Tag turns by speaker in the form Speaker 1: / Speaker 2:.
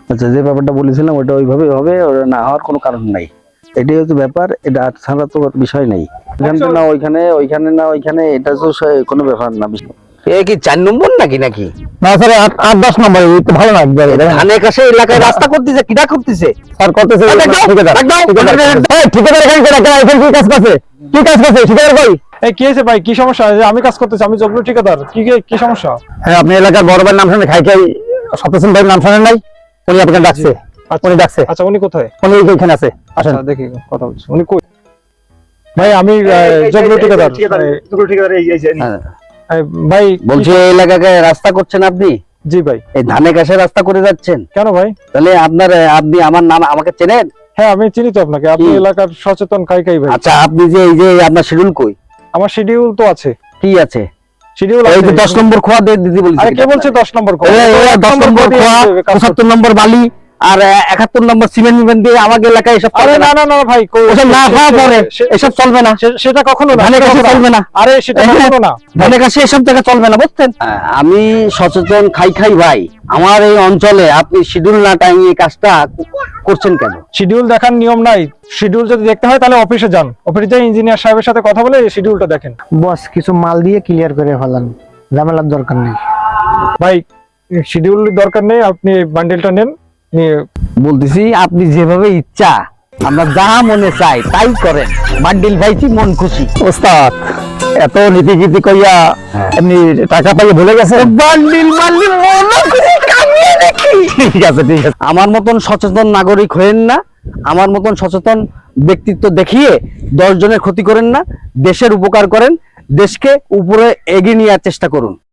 Speaker 1: আচ্ছা, যে ব্যাপারটা বলেছিলাম ওটা ওইভাবে হবে, ওটা না হওয়ার কোনো কারণ নাই। এটাই হচ্ছে ব্যাপার, এটা ছাড়া তো বিষয় নেই। এখানে না ওইখানে, ওইখানে না ওইখানে, এটা তো কোনো ব্যাপার না।
Speaker 2: এ কি 4 নম্বর নাকি নাকি
Speaker 3: না স্যার 8-10 নম্বর তো ভালো না একবারে।
Speaker 2: ধানের কাছে এলাকায় রাস্তা করতেছে, কিটা করতেছে?
Speaker 3: স্যার করতেছে ঠিকাদার। এই ঠিকাদার এখানে কি রাখা এখানে কি কাজ করছে? কি কাজ করছে ঠিকাদার ভাই?
Speaker 4: এই কি হয়েছে ভাই, কি সমস্যা? যে আমি কাজ করতেছি, আমি জগলু ঠিকাদার, কি সমস্যা?
Speaker 3: হ্যাঁ, আপনি এলাকার বড় ভাইয়ের নাম শুনে খাই সত্যসেন ভাইয়ের নাম শুনেন নাই? উনি আপনাকে ডাকছে। উনি ডাকছে।
Speaker 4: আচ্ছা, উনি কোথায়?
Speaker 3: উনি এখানে আছে, আসেন।
Speaker 4: আচ্ছা, দেখি কথা বলছি। উনি কই? ভাই আমি জগলু ঠিকাদার। ভাই
Speaker 2: বলছি এই এলাকায় রাস্তা করছেন আপনি?
Speaker 4: জি ভাই।
Speaker 2: এই ধানের কাছে রাস্তা করে যাচ্ছেন
Speaker 4: কেন ভাই?
Speaker 2: তাহলে আপনি আমার নাম আমাকে চেনেন?
Speaker 4: হ্যাঁ, আমি চিনি তো আপনাকে, আপনি এলাকার সচেতন কাই ভাই।
Speaker 2: আচ্ছা, আপনি যে এই যে আপনার শিডিউল কই?
Speaker 4: আমার শিডিউল তো আছে।
Speaker 2: কি আছে?
Speaker 4: শিডিউল
Speaker 2: এই যে 10 নম্বর খোয়া দিদি বলছি।
Speaker 4: আরে কে বলছে 10 নম্বর?
Speaker 2: 10 নম্বর খোয়া, 75 নম্বর বালি আর 71 নম্বর সিমেন্ট দিয়ে আমাকে এলাকায় এসব
Speaker 4: আরে
Speaker 2: চলবে
Speaker 4: না ভাই,
Speaker 2: ওসব না হওয়া পরে এসব চলবে না।
Speaker 4: সেটা কখনো না,
Speaker 2: ধানের কাছে চলবে না।
Speaker 4: আরে সেটা কখনো না,
Speaker 2: ধানের কাছে এসব জায়গা চলবে না, বুঝছেন? আমি সচেতন খাই ভাই, আমার এই অঞ্চলে আপনি শিডিউল না টাঙিয়ে কাজটা করছেন কেন?
Speaker 4: শিডিউল দেখার নিয়ম নাই। শিডিউল যদি দেখতে হয় তাহলে অফিসে যান, অফিসে যাই ইঞ্জিনিয়ার সাহেবের সাথে কথা বলে শিডিউলটা দেখেন।
Speaker 5: বস কিছু মাল দিয়ে ক্লিয়ার করে ফেলান, ঝামেলার দরকার নেই।
Speaker 4: ভাই শিডিউল দরকার নেই, আপনি বান্ডেলটা নেন, নিয়ে
Speaker 2: বলতেছি আপনি যেভাবে ইচ্ছা আমরা যা মনে চাই তাই করেন। বান্ডিল পাইছি, মন খুশি।
Speaker 3: ওস্তাদ এত নীতিগীতি কইয়া এমনি টাকা পাইয়ে ভুলে গেছে।
Speaker 2: বান্ডিল মন খুশি কামিয়ে দেখি।
Speaker 3: ঠিক আছে ঠিক আছে।
Speaker 2: আমার মতন সচেতন নাগরিক হয়েন না, আমার মতন সচেতন ব্যক্তিত্ব দেখিয়ে 10 জনের ক্ষতি করেন না, দেশের উপকার করেন, দেশকে উপরে এগিয়ে নেওয়ার চেষ্টা করুন।